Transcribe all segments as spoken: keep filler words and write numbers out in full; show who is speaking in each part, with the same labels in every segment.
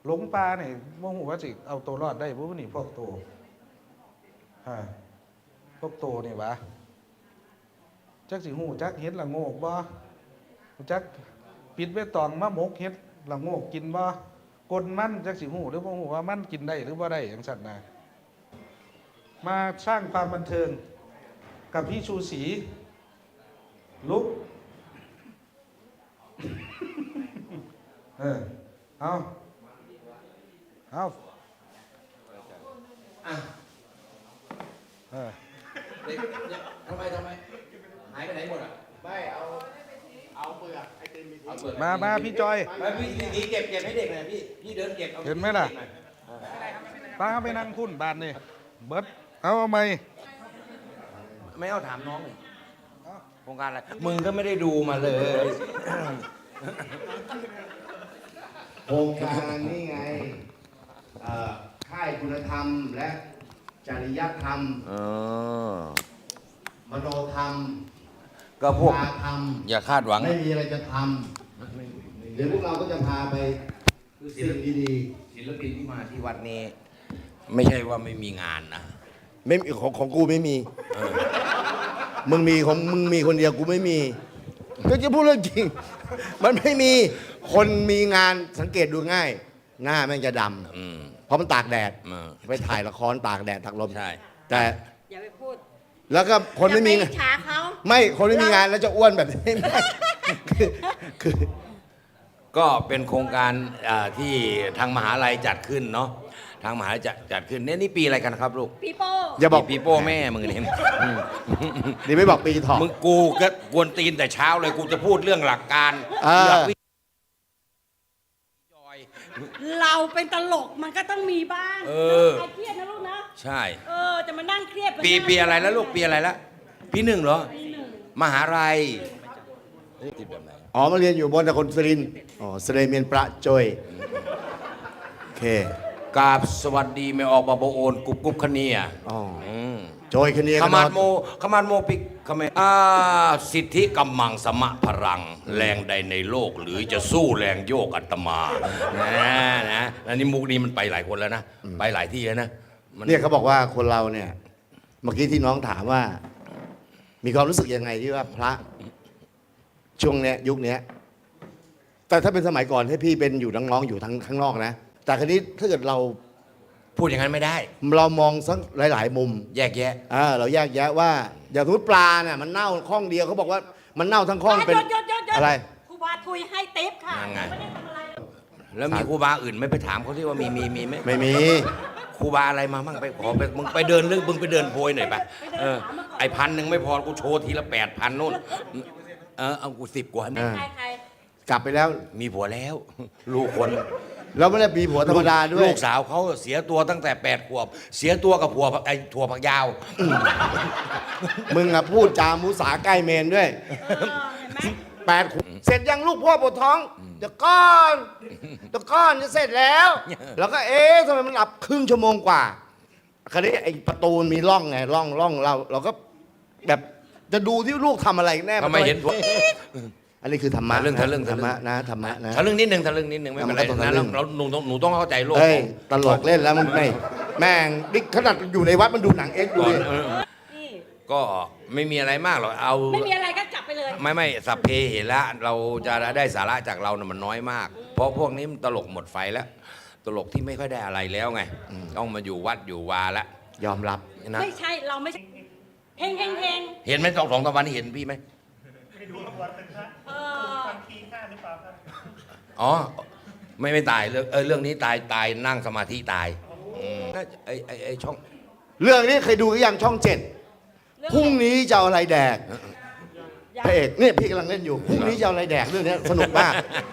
Speaker 1: หลงป่าเนี่ยโมโหว่าสิเอาตัวรอดได้พวกนี่พวกตัวฮะพวกตัวนี่วะจักสิหูจักเห็ดละโงกบ่จักปิดไว้ตองมะมกเห็ดละโงกกินบ่กลมันจักสิหูหรือบ่หูว่ามันกินได้หรือบ่ได้อย่างสัตว์นะมาสร้างความบันเทิงกับพี่ชูศรีลุกเออเอาเอาเออ
Speaker 2: ทำไมทำไมหายไปไหนหมดอ่ะ
Speaker 3: ไม่เอาเอาเปลือกไอติมมีทิ้ง
Speaker 1: มามาพี่จอย
Speaker 2: พี่พี่เก็บเก็บให้เด็กหน่อยพี่พี่เดินเก็บ
Speaker 1: เห็นไหมล่ะป้าไปนั่งคุ้นบานนี่เบิร์ดเอาเอาไหม
Speaker 2: ไม่เอาถามน้องเลยโครงการอะไรมึงก็ไม่ได้ดูมาเลย
Speaker 3: โครงการนี่ไงค่ายคุณธรรมและจริยธรรมมโนธรรม
Speaker 2: ก็พวก
Speaker 3: ธรรม
Speaker 2: อย่าคาดหวัง
Speaker 3: ไม่มีอะไรจะทำเดี๋ยวพวกเราก็จะพาไปสิ่งดี
Speaker 2: ๆศิลปินที่มาที่วัดนี้ไม่ใช่ว่าไม่มีงานนะ
Speaker 3: ไม่ของของกูไม่มีมึงมีของมึงมีคนเดียวกูไม่มีก็จะพูดเรื่องจริงมันไม่มีคนมีงานสังเกตดูง่ายหน้าแม่งจะดำเพราะมันตากแดดไปถ่ายละครตากแดดตากลม
Speaker 2: ใช่
Speaker 3: แต่
Speaker 4: อย่าไปพูด
Speaker 3: แล้วก็คนไม่มี
Speaker 4: งาน
Speaker 3: ไม่คนไม่มีงานแล้วจะอ้วนแบบนี้ไม่คือคือ
Speaker 2: ก็เป็นโครงการที่ทางมหาลัยจัดขึ้นเนาะทางมหาลัยจัดจัดขึ้นเนี่ยนี่ปีอะไรกันครับลูก
Speaker 4: ปีโป้
Speaker 2: อย่าบอกปีโป้แม่มึงเนี่ย
Speaker 3: เดี๋ยวไม่บอกปีถอด
Speaker 2: มึงกูก็กวนตีนแต่เช้าเลยกูจะพูดเรื่องหลักการ
Speaker 4: เราเป็นตลกมันก็ต้องมีบ้าง
Speaker 2: เออ
Speaker 4: ใครเครียดนะลูกนะ
Speaker 2: ใช่
Speaker 4: เออจะมานั่งเครียด
Speaker 2: ปีปีอะไรแล้วลูกปีอะไรแล้วปีหนึ่งเหรอมหาลัย
Speaker 3: ติดแบบไหนอ๋อมาเรียนอยู่บนตะคนสรินอ๋อสเรเมียนประจอยโอเค
Speaker 2: กราบสวัสดีไม่ออกบาโบโอนกุบกุบคเนีย
Speaker 3: อ๋อจอยคเนีย
Speaker 2: ขมาดโมขมาดโมปิกขมอาสิทธิกำมังสมะพลังแรงใดในโลกหรือจะสู้แรงโยกอัตมานะนะอันนี้มุกนี้มันไปหลายคนแล้วนะไปหลายที่แล้วนะ
Speaker 3: เนี่ยเขาบอกว่าคนเราเนี่ยเมื่อกี้ที่น้องถามว่ามีความรู้สึกยังไงที่ว่าพระช่วงเนี้ยยุคนี้แต่ถ้าเป็นสมัยก่อนให้พี่เป็นอยู่น้องๆอยู่ทั้งข้างนอกนะแต่คราวนี้ถ้าเกิดเรา
Speaker 2: พูดอย่างนั้นไม่ได้
Speaker 3: เรามองสักหลายๆมุม
Speaker 2: แยกแยะ
Speaker 3: อ่าเราแยกแยะว่าอย่างสมมติปลาเนี่ยมันเน่าข้องเดียวเขาบอกว่ามันเน่าทั้งข้องเป็นอะไร
Speaker 4: ครูบาทุยให้ติ๊บค่ะไม่ได้ทำอะไร
Speaker 2: แล้วมีครูบาอื่นไม่ไปถามเขาที่ว่ามีมีมีไหม
Speaker 3: ไม่มี
Speaker 2: ครูบาอะไรมามั่งไปขอไปมึงไปเดินเรื่องมึงไปเดินโพยหน่อยไปเออไอพันหนึ่งไม่พอกูโชว์ทีละแปดพันนู่นเออเอากูสิบกว่า
Speaker 4: ใครใคร
Speaker 3: กลับไปแล้ว
Speaker 2: มีผัวแล้วลูกคน
Speaker 3: แล้วไม่ได้มีผัวธรรมดาด้วย
Speaker 2: ลูกสาวเขาเสียตัวตั้งแต่แปดขวบเสียตัวกับผัวไอ้ถั่วผักยาว
Speaker 3: มึงอะพูดจามุสาใกล้เมนด้วยแปดขวบเสร็จยังลูกพ่อปวดท้องเดี๋ยวก้อนเดี๋ยวก้อนจะเสร็จแล้วแล้วก็เอ๊ะทำไมมันหลับครึ่งชั่วโมงกว่าคราวนี้ไอ้ประตูมีร่องไงร่องร่องเราเราก็แบบจะดูที่ลูกทำอะไรแน่
Speaker 2: ทำไมเห็น
Speaker 3: อันนี้คือธรรมะ
Speaker 2: เรื่องเรื่อง
Speaker 3: ธรรมะนะธรรมะนะ
Speaker 2: ทะลึ่งนิดนึงทะลึ่งนิดนึงไม่เป็นไรนะเราหนูต้องหนูต้องเข้าใจโลก
Speaker 3: ตลกเล่นแล้วมันไม่แม่งดิขนาดอยู่ในวัดมันดูหนังเอ็กซ์ดู
Speaker 2: ก็ไม่มีอะไรมากหรอกเอา
Speaker 4: ไม่มีอะไรก็จับไปเลย
Speaker 2: ไม่ไม่สัพเพเหระเราจะได้สาระจากเราเนี่ยมันน้อยมากเพราะพวกนี้มันตลกหมดไฟแล้วตลกที่ไม่ค่อยได้อะไรแล้วไงต้องมาอยู่วัดอยู่วาแล้ว
Speaker 3: ยอมรับ
Speaker 4: นะไม่ใช่เราไม่เฮงเฮงเฮง
Speaker 2: เห็นไหมสองสองตะวันเห็นพี่ไหมอ๋อไม่ไม่ตายเรื่องเออเรื่องนี้ตายตายนั่งสมาธิตายไอไอไอช่อง
Speaker 3: เรื่องนี้เคยดูหรือยังช่องเจ็ดพรุ่งนี้จะเอาอะไรแดกพระเอกเนี่ยพี่กำลังเล่นอยู่พรุ่งนี้จะเอาอะไรแดกเรื่องนี้สนุกมาก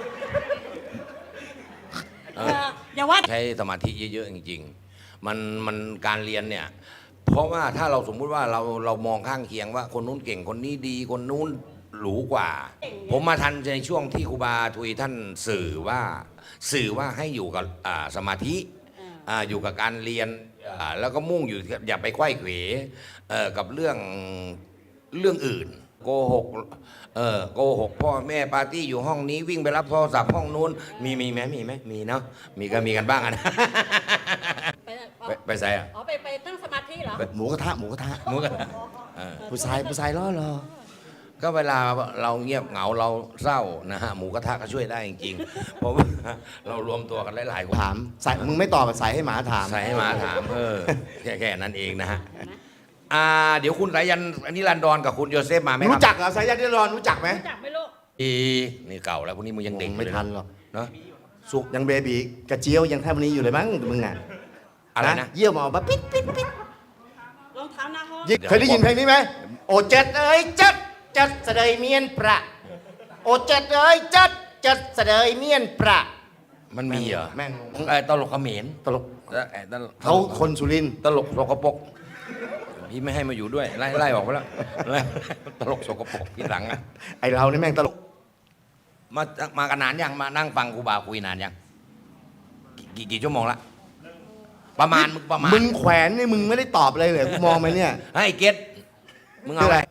Speaker 4: อย่าว่า
Speaker 2: ใช้สมาธิเยอะๆจริงๆมันมันการเรียนเนี่ยเพราะว่าถ้าเราสมมุติว่าเราเรามองข้างเคียงว่าคนนู้นเก่งคนนี้ดีคนนู้นหรูกว่าผมมาทันในช่วงที่ครูบาทุยท่านสื่อว่าสื่อว่าให้อยู่กับสมาธิอยู่กับการเรียนแล้วก็มุ่งอยู่อย่าไปไขว้เขวกับเรื่องเรื่องอื่นโกหกเออโกหกพ่อแม่ปาร์ตี้อยู่ห้องนี้วิ่งไปรับโทรศัพท์ห้องนู้นมีมีไหมมีไหมมีเนาะมีก็มีกันบ้างอะนะ
Speaker 4: ไป
Speaker 2: ไปไปใส่อะ
Speaker 4: อ๋อไปไปตั้งสมาธิเหรอ
Speaker 3: หมูกระทะหมูกระทะ
Speaker 2: มุกอะเออ
Speaker 3: ผู้ชายผู้ชายล้อรอ
Speaker 2: ก็เวลาเราเงียบเหงาเราเศร้านะฮะหมูกระทะก็ช่วยได้จริงๆ เพราะว่าเรารวมตัวกันหลายๆคน
Speaker 3: ถามใส่มึงไม่ตอบใส่ให้หมาถาม
Speaker 2: ใส่ให้หมาถามเออแค่แค่นั้นเองนะฮะอ่าเดี๋ยวคุณสายันนิรันดรกับคุณโยเซฟมาไหมครับ
Speaker 3: รู้จักเหรอสายยันนิรอนรู้จักไหม
Speaker 4: รู้จักไหมลูก
Speaker 2: อีนี่เก่าแล้วพวกนี้มึงยังเด็ก
Speaker 3: ไม่ทันหรอก
Speaker 2: เนาะ
Speaker 3: สุกยังเบบีกระเจียวยังแทบวันนี้อยู่เลยมั้งมึงอ่ะ
Speaker 2: อะไรนะ
Speaker 3: เยี่ยวมาออกมาปิ๊ดปิ๊ดปิ๊ด
Speaker 4: รองเท้าหน้าห้อง
Speaker 3: ยิเคยได้ยินเพลงนี้ไหมโอเจ็ดเอ้ยเจ็ดเจ็ดเสดยเมียนประโอเจ็ดเอ้ยเจ็ดเจ็ดเสดยเมียนประ
Speaker 2: มันมีเหรอ
Speaker 3: แม่ง
Speaker 2: ไอ้ตลกเขมร
Speaker 3: ตลก
Speaker 2: แล้วไอ้ตลก
Speaker 3: เขาคนสุรินทร์
Speaker 2: ตลกสกปรกพี่ไม่ให้มาอยู่ด้วยไล่ไล่ออกไปแล้วไล่ตลกสกปรกพี่หลังอะ
Speaker 3: ไอเรานี่แม่งตลก
Speaker 2: มามากันนานยังมานั่งฟังครูบาคุยนานยังกี่กี่ชั่วโมงละประมาณมึงประมาณ
Speaker 3: มึงแขวนนี่มึงไม่ได้ตอบอะไรเลยกูมองไปเนี่ย
Speaker 2: ให้เกตมึงเอาอะไร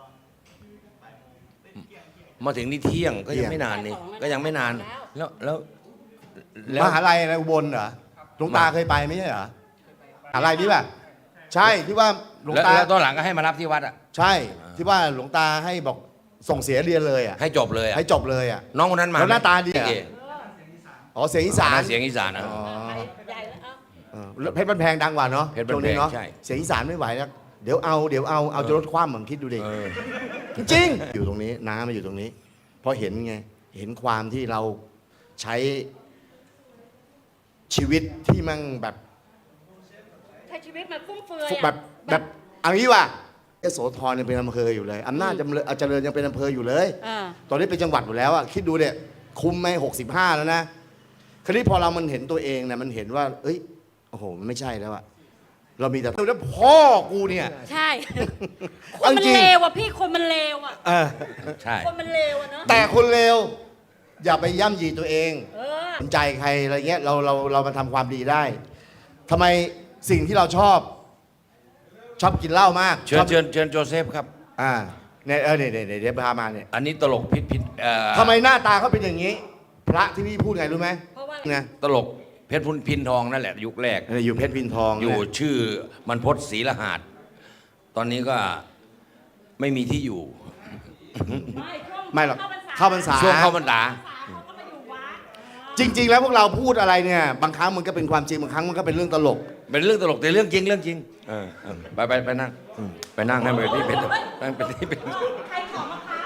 Speaker 2: มาถึงนี่เที่ยงก็ยังไม่นานนี่ก็ยังไม่นาน แล้วแล้วแล้ว
Speaker 3: มหาลัยอะไรอุบลเหรอหลวงตาเคยไปไม่ใช่เหรอมหาลัยนี่ป่ะใช่ที่ว่าหลวง
Speaker 2: แล้ว
Speaker 3: ตา
Speaker 2: แล้วตอนหลังก็ให้มารับที่วัดอ่ะ
Speaker 3: ใช่ที่ว่าหลวงตาให้บอกส่งเสียเรียนเลยอ่ะ
Speaker 2: ให้จบเลยอ่ะ
Speaker 3: ให้จบเลยอ่ะ
Speaker 2: น้องคนนั้นมา
Speaker 3: แล้วหน้าตาดีอะ
Speaker 2: เก๋
Speaker 3: อ๋อเสียงอีสาน
Speaker 2: เสียงอีสานนะ
Speaker 3: อ๋อ
Speaker 4: ใหญ่แล้วเอา
Speaker 3: เออแล้วเพชรบ้านแพงดังกว่าเนาะ
Speaker 2: เพชรบ้าน
Speaker 3: ช่วงนี้เนาะ
Speaker 2: แพงใช่
Speaker 3: เสียงอีสานไม่ไหวแล้วเดี๋ยวเอาเดี๋ยวเอาเอาจะลดความเหมือนคิดดูดิ
Speaker 2: เออ
Speaker 3: จริงๆอยู่ตรงนี้น้ามาอยู่ตรงนี้ เพราะเห็นไงเห็นความที่เราใช้ชีวิตที่มั่งแบบ
Speaker 4: ใช้ชีวิตมันฟุ่มเฟือยอะ
Speaker 3: แบบแบบเอันนี้ว่ะเอโสธรยังเป็นอำเภออยู่เลยอำนาจจำเริญเจริญยังเป็นอำเภออยู่เลย
Speaker 4: อ่า
Speaker 3: ตอนนี้เป็นจังหวัดอยู่แล้วอะคิดดูเนี่ยคุมไหมหกสิบห้าแล้วนะคราวนี้พอเรามันเห็นตัวเองเนี่ยมันเห็นว่า เอ้ยโอ้โหมันไม่ใช่แล้วอะเรามีแต่แล้วพ่อกูเนี่ย
Speaker 4: ใช่ ค
Speaker 3: เอา
Speaker 4: นมัน
Speaker 3: จริง
Speaker 4: เลวอ่ะพี่คนมันเลวอ่ะ
Speaker 3: เออ
Speaker 2: ใช่
Speaker 4: คนมันเลวอ่ะเนอะ
Speaker 3: แต่คนเลวอย่าไปย่ำยีตัวเอง
Speaker 4: เออ
Speaker 3: สนใจใครอะไรเงี้ยเราเราเรามาทำความดีได้ทำไมสิ่งที่เราชอบ ชอบกินเหล้ามาก
Speaker 2: เชิญ
Speaker 3: ชอบ
Speaker 2: เชิญเชิญโจเซฟครับ
Speaker 3: อ่าเนี่ยเออเนี่ยเนี่ยเดี๋ยวพามาเนี่ย
Speaker 2: อันนี้ตลกพิษพิษเอ่อ
Speaker 3: ทำไมหน้าตาเขาเป็นอย่างนี้ พระที่พี่พูดไงรู้ไหม
Speaker 4: เพราะว่า
Speaker 3: ไง
Speaker 2: ตลกเพชรพุนพินทองนั่นแหละยุคแรก
Speaker 3: เนี่ยอยู่เพชรพินทอง
Speaker 2: อยู่
Speaker 3: เนี่ย
Speaker 2: ชื่อมันพศศรีละหาดตอนนี้ก็ไม่มีที่อยู่
Speaker 4: ไม่ช่วง
Speaker 3: ไม่หรอก
Speaker 4: เข้าพรรษา
Speaker 3: เข้าพรรษา
Speaker 2: ช่วงเข้าพรรษา
Speaker 4: เขาก็มาอยู่วัด
Speaker 3: จริง ๆ แล้วพวกเราพูดอะไรเนี่ย บางครั้งมันก็เป็นความจริงบางครั้งมันก็เป็นเรื่องตลก
Speaker 2: เป็นเรื่องตลกแต่เรื่องจริงเรื่องจริงเออเออไปไปไปนั่งอืมไปนั่งให้เป็นที่เป็นนั่งเป็นที่เป็น
Speaker 4: ใครขอมะพร้าว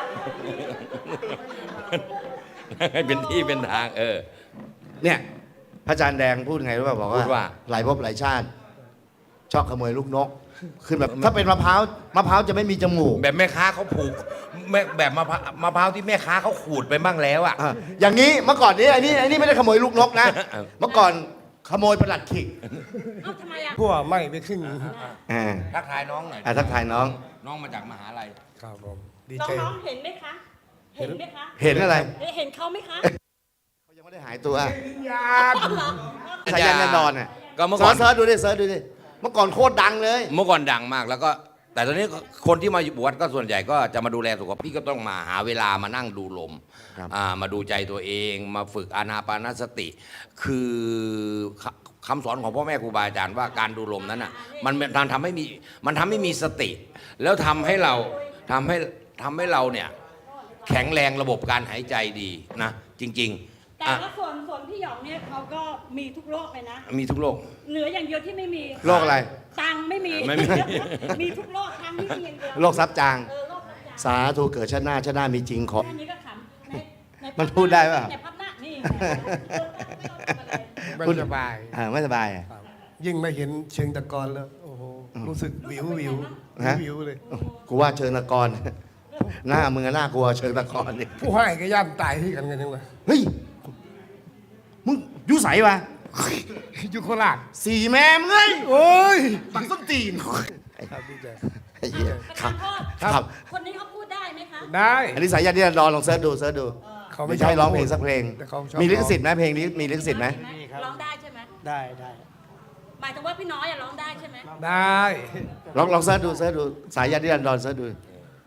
Speaker 2: ให้เป็นที่เป็นทางเออ
Speaker 3: เนี่ยพระอาจารย์แดงพูดไงรู้ป่ะบอก
Speaker 2: พูดว่า
Speaker 3: ว่าหลายภพหลายชาติ ชอบขโมยลูกนกคือแบบถ้าเป็นมะพร้าวมะพร้าวจะไม่มีจมูก
Speaker 2: แบบแม่ค้าเขาผูกแม่แบบมะพร้าวมะพร้าวที่แม่ค้าเขาขูดไปบ้างแล้วอ่ะ
Speaker 3: อ่ะอย่างนี้เมื่อก่อนนี้อันนี้อันนี้ไม่ได้ขโมยลูกนกนะ
Speaker 2: เออ
Speaker 3: เมื่อก่อนขโมยประหลัดขิก
Speaker 4: เอ้าทำไมอ่ะ
Speaker 5: พวกไม่ไปขึ้น
Speaker 3: อ่า
Speaker 2: ทักทายน้องหน่อย
Speaker 3: อ่ะทักทายน้อง
Speaker 2: น้องมาจากมหาลัย
Speaker 5: ครับผมดี
Speaker 4: น้
Speaker 5: ใจ
Speaker 4: องๆเห็นไหมคะ เห็นไหมคะ
Speaker 3: เห็นอะไร
Speaker 4: เห็นเขาไหมคะ
Speaker 3: เขายังไม่ได้หายตัว
Speaker 5: ยา
Speaker 4: เหรอ
Speaker 3: สายันแน่นอนอ่ะ
Speaker 2: ก็เมื่อ
Speaker 3: เสิ
Speaker 2: ก่อ
Speaker 3: ร์
Speaker 2: น
Speaker 3: ชเสิร์ชดูดิเสิร์ชดูดิเมื่อก่อนโคตรดังเลย
Speaker 2: เมื่อก่อนดังมากแล้วก็แต่ตอนนี้คนที่มาบวชก็ส่วนใหญ่ก็จะมาดูแลสุขภาพพี่ก็ต้องมาหาเวลามานั่งดูลม
Speaker 3: ครับ
Speaker 2: อ่ามาดูใจตัวเองมาฝึกอานาปานสติ คือคคำสอนของพ่อแม่ครูบาอาจารย์ว่าการดูลมนั้นอ่ะมันมันทำให้มีมันทำให้มีสติ แล้วทำให้เราทำให้ทำให้เราเนี่ยแข็งแรงระบบการหายใจดีนะจริงๆ
Speaker 4: แต่
Speaker 2: อ่ะ
Speaker 4: ว่าส่วนส่วนพี่หยองเนี่ยเขาก็มีทุกโรคเลยนะ
Speaker 2: มีทุกโรค
Speaker 4: เหลืออย่างเดียวที่ไม่มี
Speaker 3: โรคอะไร
Speaker 4: ตังค์ไม่มี
Speaker 2: ไม่มี
Speaker 4: มีทุกโรคตังค์ไม่มีอย่างเดียว
Speaker 3: โรคซับจาง
Speaker 4: เออโรคตับจาง
Speaker 3: สาธุเกิดชาติหน้าชาติหน้ามีจริงขอ
Speaker 4: แค่นี้ก็ขำในใน
Speaker 3: มันพูดได้เปล่า
Speaker 4: ในพับหน้านี่
Speaker 5: ไม่สบาย
Speaker 3: อ่าไม่สบายอ่ะ
Speaker 5: ครับยิ่งมาเห็นเชิงตะกอนแล้ว โอ้โห รู้สึกวิววิว
Speaker 3: ฮะ
Speaker 5: วิวเลย
Speaker 3: กูว่าเชิงตะกอน หน้ามึงอะน่ากลัวเชิงตะกอนนี่
Speaker 5: ผู้ให้ก็ย่ำตายที่กันกันยังไง
Speaker 3: เฮ้ยมึงอยุใสวะ
Speaker 5: อยู่โคราช
Speaker 3: สี่แม่มึงเอ้ย
Speaker 5: โอ้ย
Speaker 3: ปักส้นตีน
Speaker 5: ครับดีใจ
Speaker 3: ไอ้เหี้ย
Speaker 4: ประ
Speaker 3: ครั
Speaker 4: ธา
Speaker 3: บ
Speaker 4: นโทษ
Speaker 3: ครับ
Speaker 4: คนนี้เขาพูดได้ไหมคะ
Speaker 5: ได้
Speaker 3: อันนี้สายยันที่รอลองเสิร์ชดูเสิร์ชดู
Speaker 5: เขา
Speaker 3: ไม่
Speaker 5: ไม่
Speaker 3: ใช่
Speaker 5: ชบ
Speaker 3: ร้องเพลงสักเพลง
Speaker 5: แต่เขาชอบ
Speaker 3: มีลิขสิทธิ์ไหมเพลงนี้มีลิขสิทธิ์ไหม
Speaker 4: ร้องได้ใช่ไหม
Speaker 5: ได้ได้
Speaker 4: หมายถึงว่าพี่น้อยอะร้องได้ใช่ไหม
Speaker 5: ได้
Speaker 3: ลองลองเสิร์ชดูเสิร์ชดูสายยันที่รอเสิร์ชดู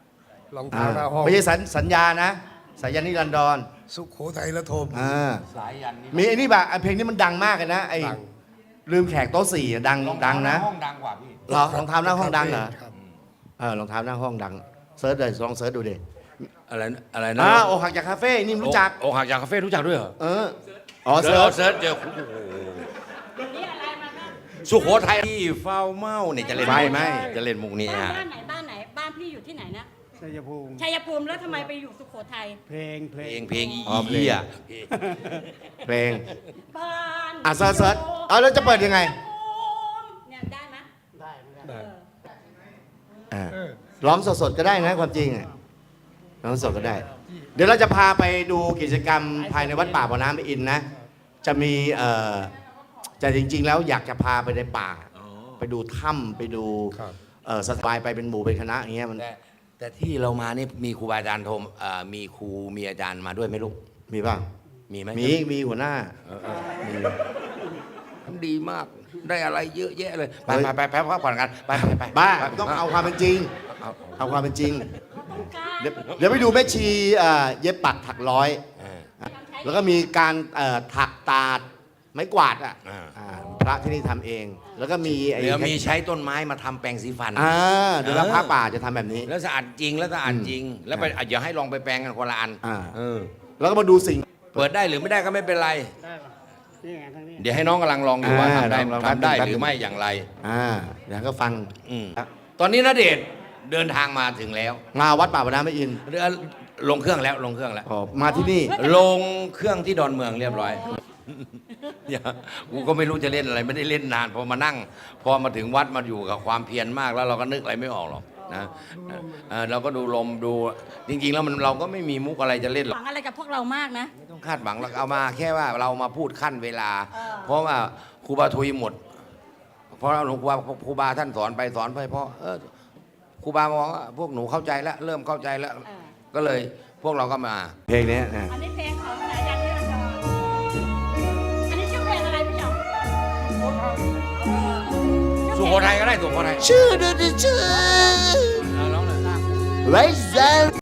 Speaker 5: รอง
Speaker 3: อ่า
Speaker 5: เท้าหน้าห้อง
Speaker 3: ไม่ใช่สัญสัญญานะสายันนิรันดร
Speaker 5: สุโขทัยละโทม
Speaker 3: อ่า
Speaker 2: สายยันนี่
Speaker 3: มีไอ้นี่แบบเพลงนี้มันดังมากเลยนะไอ้
Speaker 5: ดัง
Speaker 3: ลืมแขกโต๊ะสี่อะดัง
Speaker 2: รองเท้า
Speaker 3: ดังนะ
Speaker 2: ห้องดังกว่าพี่
Speaker 3: เหรอรองเท้าหน้าห้องดังเหรอ
Speaker 5: ครับ
Speaker 3: เออรองเท้าหน้าห้องดังเซิร์ชเลยลองเซิร์ชดูดิ
Speaker 2: อะไรนะอะไรนะ
Speaker 3: อ่าอกหักจากคาเฟ่นี่รู้จัก
Speaker 2: โอกหักจากคาเฟ่รู้จักด้วยเหรอ
Speaker 3: เอออ๋อ
Speaker 2: เซิ
Speaker 3: เซิ
Speaker 2: ร์
Speaker 3: ร์
Speaker 2: ช
Speaker 3: ช
Speaker 2: เซิร์ชเจอโอ้โห
Speaker 4: นี่อะไรมาบ้าง
Speaker 2: สุโขทัยที่เฝ้าเมาเนี่ยจะเล่น
Speaker 3: ไม่ไม่
Speaker 2: จะเล่นมุกนี้
Speaker 4: บ้าน
Speaker 2: ฮะ
Speaker 4: บ้านไหนบ้านไหนบ้านพี่อยู่ที่ไหนนะ
Speaker 5: ชัยภูมิ
Speaker 4: ชัยภูมิแล้วทำไมไปอยู่สุโขทัย
Speaker 5: เพลงเพล
Speaker 2: เพล
Speaker 5: ง
Speaker 2: งเพลงอี
Speaker 3: อ๋อเพลง
Speaker 2: เหี้ย
Speaker 3: เพลง
Speaker 4: บ้าน
Speaker 3: อ่ะเซิร์ชเซิร์ชเอาแล้วจะเปิดยังไง
Speaker 4: เนี่ยได้ไหม
Speaker 5: ได้
Speaker 3: อ่า
Speaker 5: เออ
Speaker 3: ร้องสดๆก็ได้นะความจริงอะร้องสดก็ได้ เดี๋ยวเราจะพาไปดูกิจกรรมภายในวัดป่าบ่อน้ำพระอินทร์นะ จะมีเอ่อจะจริง ๆ แล้วอยากจะพาไปในป่า ไปดูถ้ำไปดู
Speaker 5: ครับ
Speaker 3: เอ่อสบายไปเป็นหมู่เป็นคณะอย่างเงี้ยมัน
Speaker 2: แต่แต่ที่เรามานี่มีครูบาอาจารย์โทมเอ่อมีครูมีอาจารย์มาด้วยไหมลูก
Speaker 3: มีป่ะ
Speaker 2: มีไหม
Speaker 3: มีมีหัวหน้ามี
Speaker 2: ทำดีมากได้อะไรเยอะแยะเลย ไป
Speaker 3: เฮ้ย
Speaker 2: ไปไปไปพักผ่อนกันไปไปไป
Speaker 3: บ้า
Speaker 2: ไป
Speaker 3: ต้องเอาความเป็นจริง
Speaker 2: เอา
Speaker 3: เอาความเป็นจริง
Speaker 4: ต้องการ
Speaker 3: เดี๋ยวเดี๋ยวไปดูแม่ชีเอ่อเย็บปักถักร้อย
Speaker 2: เออ
Speaker 3: แล้วก็มีการเอ่อถักตาดไม้กวาดอ่ะ
Speaker 2: อ่า
Speaker 3: อ่าพระที่นี่ทำเอง แล้วก็มีไอ้
Speaker 2: เดี๋ยวมีใช้ต้นไม้มาทำแปรงสีฟัน
Speaker 3: อ่าเดี๋ยวรับพระป่าจะทำแบบนี้
Speaker 2: แล้วสะอาดจริงแล้วสะอาดจริง แล้วไปอ่ะอย่าให้ลองไปแปลงกันคนละอัน
Speaker 3: อ่า
Speaker 2: เออ
Speaker 3: แล้วก็มาดูสิ่ง
Speaker 2: เปิดได้หรือไม่ได้ก็ไม่เป็นไร
Speaker 5: ได้ปะนี่ไงทางนี้
Speaker 2: เดี๋ยวให้น้องกำลังลองดูว่า
Speaker 3: อ่า
Speaker 2: ทำได้
Speaker 3: ลองลอง
Speaker 2: ทำได้
Speaker 3: แป๊บนึง
Speaker 2: หรือไม่อย่างไร
Speaker 3: อ่าเดี๋ยวก็ฟัง
Speaker 2: อืมตอนนี้ณเดชน์เดินทางมาถึงแล้ว
Speaker 3: มาวัดป่าบ่อน้ำพระอินทร์
Speaker 2: เรือลงเครื่องแล้วลงเครื่องแล้ว
Speaker 3: อ๋อมาที่นี่
Speaker 2: ลงเครื่องที่ดอนเมืองเรียบร้อยอย่ากูก็ไม่รู้จะเล่นอะไรไม่ได้เล่นนานพอมานั่ง พอมาถึงวัดมาอยู่กับความเพียรมากแล้วเราก็นึกอะไรไม่ออกหรอกนะเออเราก็ดูลมดูจริง ๆ แล้วมันเราก็ไม่มีมุกอะไรจะเล่นหร
Speaker 4: ห
Speaker 2: อก
Speaker 4: วังอะไรกับพวกเรามากนะ
Speaker 2: ไม่ต้องคาดหวังเราเอามาแค่ว่าเรามาพูดขั้นเวลา
Speaker 4: เออ
Speaker 2: เพราะว่าครูบาทุยหมด เพราะหลวงครูบาครูบาท่านสอนไปสอนไปเพราะเออครูบามองว่าพวกหนูเข้าใจแล้ว เริ่มเข้าใจแล้ว
Speaker 4: เออ
Speaker 2: ก็เลยพวกเราก็มา
Speaker 3: เพลงนี้นะ
Speaker 4: อันนี้เพลงของสายันนิรันดรอันนี้ชื่อเพลงอะไรพี่หยอง
Speaker 2: สุโขทัยก็ได้สุโขทัย
Speaker 3: ชื่อดูดิชื่อ
Speaker 2: เออร้องเลย
Speaker 3: ไว้ใจ